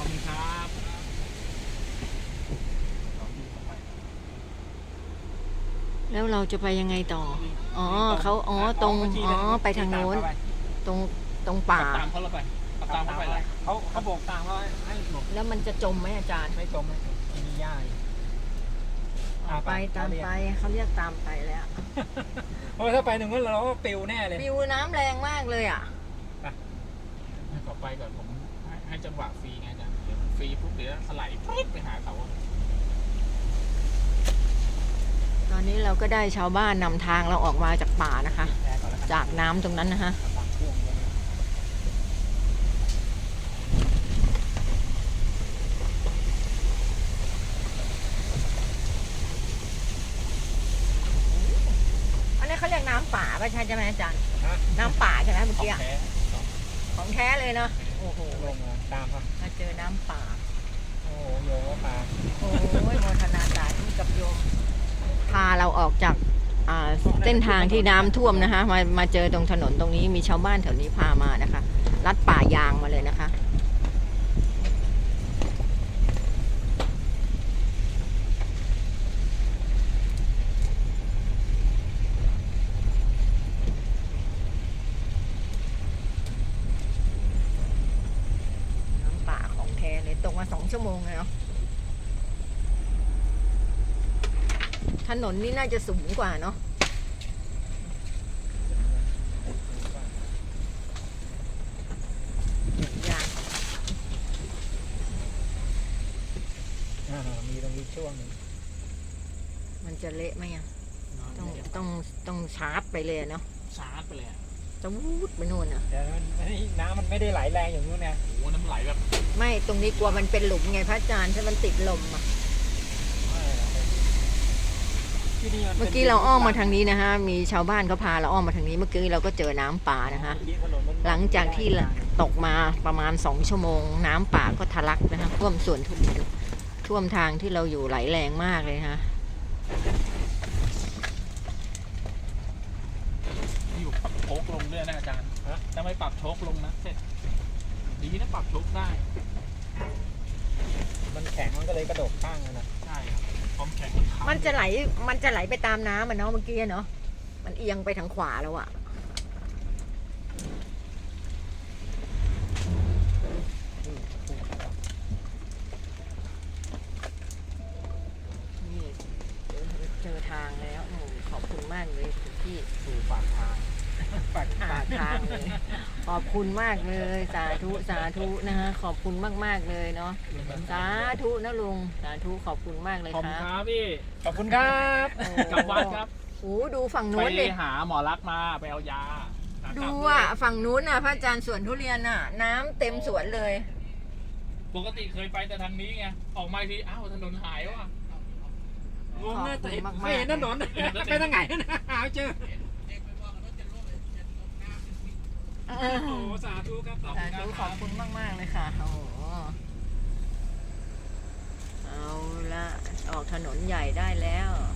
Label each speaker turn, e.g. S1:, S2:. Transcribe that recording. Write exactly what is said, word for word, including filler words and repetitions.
S1: คุณครับ
S2: แล้วเราจะไปยังไงต่ออ๋อเขาอ๋อตรงอ๋อไปทางโน้นตรงตรงป่า
S1: ตามเขาแล้วไปตามเขาไปเลย
S3: เขาเขาบอกตามว่าให้หลบ
S2: แล้วมันจะจมไหมอาจารย์
S3: ไม่จมไม่จมที่นี่ย่า
S2: ไปตามไปเขาเรียกตามไปแล้ว
S3: เพราะถ้าไปหนึ่งเราก็ปิวแน่เลย
S2: ปิวน้ำแรงมากเลยอ่ะ
S1: ขอไปก่อนผมให้จังหวะฟรีไงจ๊ะเดี๋ยวฟรีปุ๊บเดี๋ยวสไลด์ปุ๊บไปหาเขา
S2: ตอนนี้เราก็ได้ชาวบ้านนำทางเราออกมาจากป่านะคะจากน้ำตรงนั้นนะคะอันนี้เขาเรียกน้ำป่าป่ะใช่ไหมอาจารย์น้ำป่าใช่ไหมเมื่อกี้ของแท้เลยเนาะโอ้โห
S3: ลงมาตามครับ
S2: มาเจอน้ำป่า
S3: โอ้โยมป่า
S2: โอ้ยโมทนาสาธุกับโยมพาเราออกจากเส้นทางที่น้ำท่วมนะคะมามาเจอตรงถนนตรงนี้มีชาวบ้านแถวนี้พามานะคะลัดป่ายางมาเลยนะคะน้ำป่าของแท้เลยตกมาสองชั่วโมงเลยเนาะถนนนี่น่าจะสูงกว่าเนาะ
S3: มีตรงนี้ช่วงนึง
S2: มันจะเละไหมอ่ะต้องต้องต้องชาร์จไปเลยเนาะ
S1: ชาร์จไปเลย
S2: จะวูดไปโน่นอ่ะ
S3: แต่น้ำมันไม่ได้ไหลแรงอย่างนู้นนะ
S1: โอ้น้ำไหลแบบ
S2: ไม่ตรงนี้กลัวมันเป็นหลุมไงพระอาจารย์ถ้ามันติดลมอ่ะเมื่อกี้เราอ้อมมาทางนี้นะฮะมีชาวบ้านเขาพาเราอ้อมมาทางนี้เมื่อกี้เราก็เจอน้ำป่านะคะหลังจากที่ตกมาประมาณสองชั่วโมงน้ำป่าก็ทะลักนะคะท่วมสวนทุเรียนท่วมทางที่เราอยู่ไหลแรงมากเลยฮะ
S1: อยู่ปรับโชคลงด้วยนะอาจารย์ถ้าไม่ปรับโชคลงนะเสร็จดีนะปรับโชคได้
S3: มันแข็งมันก็เลยกระโดดข้างเลยนะ
S1: ใช่ความแข็ง
S2: มันจะไหลมันจะไหลไปตามน้ำมันเนาะเมื่อกี้เนาะมันเอียงไปทางขวาแล้วอะนี่เจอทางแล้วขอบคุณมากเลยที่
S1: สู่ปากทาง
S2: ปากทางเลยขอบคุณมากเลยสาธุสาธุนะฮะขอบคุณมากๆเลยเนาะสาธุนะลุงสาธุขอบคุณมากเลยครับ
S1: ขอบคุณครับพี่
S3: ขอบคุณครับ
S1: กลับวัดครับ
S2: โอ้ดูฝั่งนู้นเลย
S1: ไปหาหมอรักมาไปเอายา
S2: ดูอ่ะฝั่งนู้นน่ะพระอาจารย์สวนทุเรียนน่ะน้ำเต็มสวนเลย
S1: ปกติเคยไปแต่ทางนี้ไงออกมาทีอ้าวถนนหายว่ะ
S3: งงเลยแต่ไม่เห็นถนนไปทางไหนนะหาเจอโอ้สาธุครับ
S2: สาธุขอบคุณมากมากเลยค่ะโอ้เอาละออกถนนใหญ่ได้แล้ว